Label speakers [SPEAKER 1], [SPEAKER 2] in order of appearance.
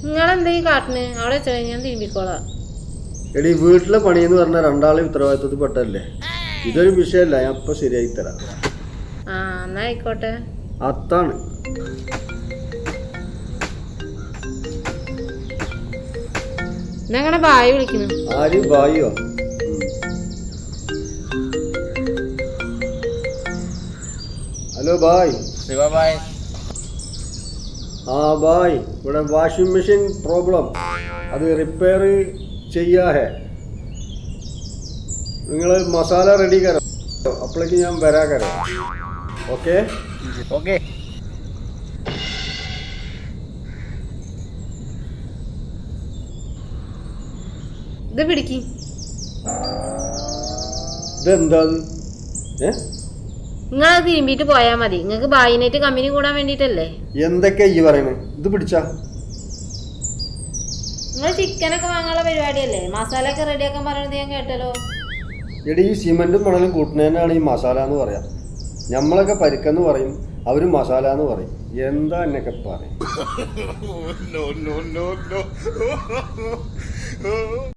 [SPEAKER 1] നിങ്ങളെന്തെങ്കിലും കാട്ടിന് അവിടെ വെച്ചാൽ ഞാൻ തിരുമ്പിക്കോളാം.
[SPEAKER 2] എടി വീട്ടിലെ പണിയെന്ന് പറഞ്ഞാൽ രണ്ടാളെ ഉത്തരവാദിത്വത്തിൽ പെട്ടല്ലേ. ഇതൊരു വിഷയമല്ല, ഞാൻ ഇപ്പൊ ശരിയായി തരാം.
[SPEAKER 1] ആ എന്നാ ആയിക്കോട്ടെ.
[SPEAKER 2] അത്താണ്
[SPEAKER 1] ഞങ്ങളുടെ ബായി വിളിക്കുന്നു.
[SPEAKER 2] ആര് ബായിയോ? Hello bye.
[SPEAKER 3] ശിവബായ്.
[SPEAKER 2] ആ ബായ്, ഇവിടെ വാഷിംഗ് മെഷീൻ പ്രോബ്ലം, അത് റിപ്പയർ ചെയ്യാ ഹേ. നിങ്ങൾ മസാല റെഡി കരോ, അപ്പോഴേക്ക് ഞാൻ വരാ കരോ. Okay
[SPEAKER 3] okay.
[SPEAKER 1] ഇത് പിടിക്ക്.
[SPEAKER 2] ഇതെന്താ?
[SPEAKER 1] നിങ്ങളത് തിരുമ്പിട്ട് പോയാൽ മതി. നിങ്ങൾക്ക് ബായിനായിട്ട് കമ്പനി കൂടാൻ വേണ്ടിട്ടല്ലേ.
[SPEAKER 2] എന്തൊക്കെ ഈ പറയണേ? ഇത് പിടിച്ചാ
[SPEAKER 1] നിങ്ങൾ ചിക്കനൊക്കെ വാങ്ങാനുള്ള പരിപാടിയല്ലേ? മസാല ഒക്കെ റെഡിയാക്കാൻ പറയണത് ഞാൻ കേട്ടല്ലോ.
[SPEAKER 2] എടി, ഈ സിമെന്റും മണലും കൂട്ടുന്നതിനാണ് ഈ മസാല എന്ന് പറയാം. നമ്മളൊക്കെ പരിക്കെന്ന് പറയും, അവര് മസാല എന്ന് പറയും. എന്താ എന്നൊക്കെ പറയും.